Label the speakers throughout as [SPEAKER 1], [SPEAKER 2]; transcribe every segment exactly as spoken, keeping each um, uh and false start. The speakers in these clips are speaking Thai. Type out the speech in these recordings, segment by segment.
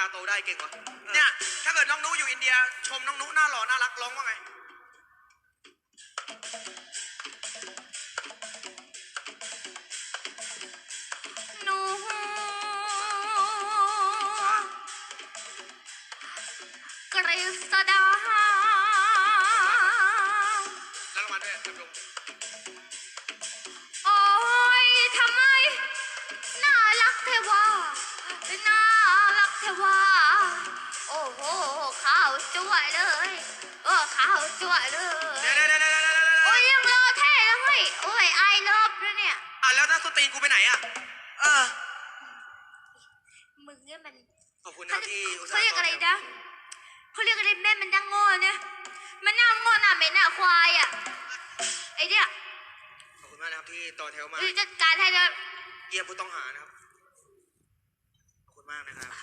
[SPEAKER 1] าโตได้เก่งวะเนี่ยถ้าเกิดน้องนุอยู่อินเดียชมน้องนุหน้าหล่อน่ารักร้องว่าไง
[SPEAKER 2] นูกฤษดา
[SPEAKER 1] แล้วรางวัลด้วยดำรง
[SPEAKER 2] โอ้ยทำไมน่ารักเทวาน่ารักเทวาโอ้โหขาวจั่วเลยเออขาวจั่วเลย
[SPEAKER 1] เดี๋ยวเดี๋ยวเดี๋ยวเดี๋ยว
[SPEAKER 2] โอ้ยยังรอเท่เลยโอ้ยไอเลิฟด้วยเนี่ย
[SPEAKER 1] อ่ะแล้วถ้าสตรีนกูไปไหนอ่ะเออ
[SPEAKER 2] มึงเนี่ยมัน
[SPEAKER 1] ขอบคุณนะที่
[SPEAKER 2] เขาเรียกอะไรนะเขาเรียกอะไรแม่มันนั่งโง่เนี่ยมันนั่งโง่หน้าเหม็นหน้าควายอ่ะไอเนี่ย
[SPEAKER 1] ขอบคุณมากนะครับที่ต่อแถวมา
[SPEAKER 2] จัดการให้เลย
[SPEAKER 1] เยี่ยมผู้ต้องหานะครับขอบคุณมากนะครับ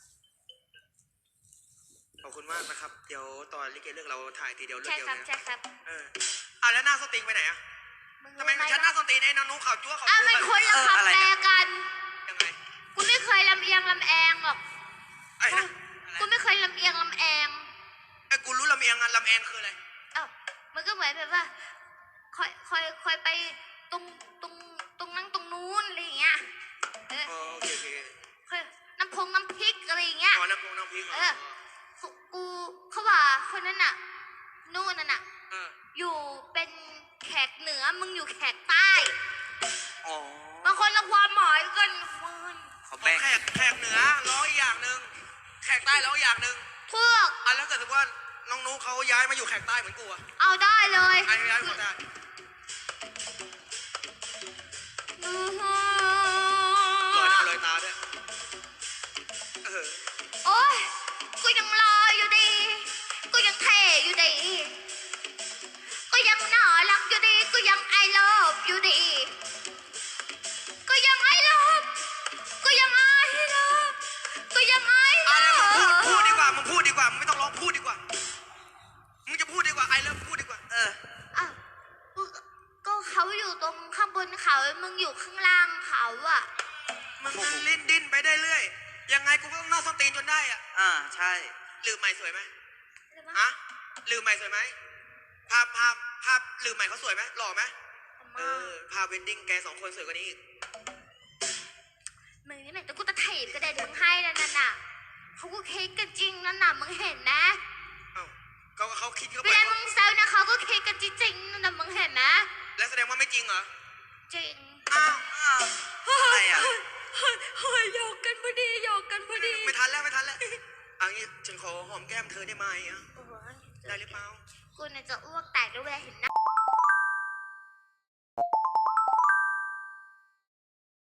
[SPEAKER 1] ขอบคุณมากนะครับเดี๋ยวตอนลิเกเลือกเราถ่ายทีเดียวเลือกเดียวเลย
[SPEAKER 2] ใช่ครับ
[SPEAKER 1] เอออ่ะแล้วหน้าสตรีนไปไหนอ่ะทำไมฉันหน้าสตรีนไอ้น้องนุ๊กข่าวจั่วข่าวจั่ว
[SPEAKER 2] อ่ะมันคนละคำแปลกัน
[SPEAKER 1] ยังไง
[SPEAKER 2] กูไม่เคยลำเอียงลำแองหรอก
[SPEAKER 1] ไอ้นะ
[SPEAKER 2] กูไม่เคยลำเอียงลำแอง
[SPEAKER 1] ไอ้กูรู้ลำเอียงอ่ะลำแองคืออะไร
[SPEAKER 2] เอ้ามันก็เหมือนแบบว่าคอยคอยคอยไปตรงตรงตรงนั่งตรงนู้นอะไรอย่างเงี้ยเออ
[SPEAKER 1] โอเคโอเค
[SPEAKER 2] คอยน้ำพงน้ำพริกอะไรอย่างเงี้ย
[SPEAKER 1] อ๋อน้ำพงน้ำพริก
[SPEAKER 2] เออกูเขาว่าคนนั้นน่ะนู่นน่ะอยู่เป็นแขกเหนือมึงอยู่แขกใต้
[SPEAKER 1] อ๋อบ
[SPEAKER 2] างคนละความหมายกัน
[SPEAKER 1] เขาแบ่งแขกแขกเหนือร้อยอย่างหนึ่งแขกใต้ร้อยอย่างหนึ่ง
[SPEAKER 2] พวก
[SPEAKER 1] อ่ะแล้วเกิดสมมติว่าน้องนุ๊กเขาย้ายมาอยู่แขกใต้เหมือนกูอ่ะ
[SPEAKER 2] เอาได้เลย
[SPEAKER 1] ย้ายย้ายหมดได้ลอยหน้าลอยตาด้วยเออ
[SPEAKER 2] โอ๊ยกูยังรออยู่ดีกูยังเท่อยู่ดีกูยังน่ารักอยู่ดีกูยังไอเลิฟอยู่ดีกูยังไอเลิฟกูยังไอเลิฟกูยังไอเลิฟ
[SPEAKER 1] พูดพูดดีกว่ามึงพูดดีกว่ามึงไม่ต้องร้องพูดดีกว่ามึงจะพูดดีกว่าไอเลิฟพูดดีกว่าเออ
[SPEAKER 2] อ่ะก็เขาอยู่ตรงข้างบนเขามึงอยู่ข้างล่างเขาอ่ะ
[SPEAKER 1] มึงมันลิ้นดิ้นไปได้เรื่อยยังไงกูก็ต้องน่าส้นตีนจนได้อ่ะอ่าใช่ลืมใหม่สวยไหมฮะลืมใหม่สวยไหมภาพภาพภาพลืมใหม่เขาสวยไหมหล่อไหมเออภาพเวนดิ้งแกสองคนสวยกว่านี้อีก
[SPEAKER 2] มึงนี่แม่งแต่กูจะเทปก็ได้ถึงให้แล้วนั่นน่ะเขาก็เค้กกันจริงนั่นน่ะมึงเห็นนะ
[SPEAKER 1] เอ้าเขาเขาคิดเขา
[SPEAKER 2] เวลามึงแซวนะเขาก็เค้กกันจริงนั่นน่ะมึงเห็นนะ
[SPEAKER 1] แล้วแสดงว่าไม่จริงเหรอ
[SPEAKER 2] จริง
[SPEAKER 1] อ้าวอะไรอ่ะ
[SPEAKER 2] เฮ้ยเฮ้ยหยอกกันพอดีหยอกกันพอดี
[SPEAKER 1] ไม่ทันแล้วไม่ทันแล้วอันนี้ฉันขอหอมแก้มเธอได้ไหมอ่ะได้หรือเปล่า
[SPEAKER 2] คุณจะอ้วกแตกแล้วเวลาเห็นหน้า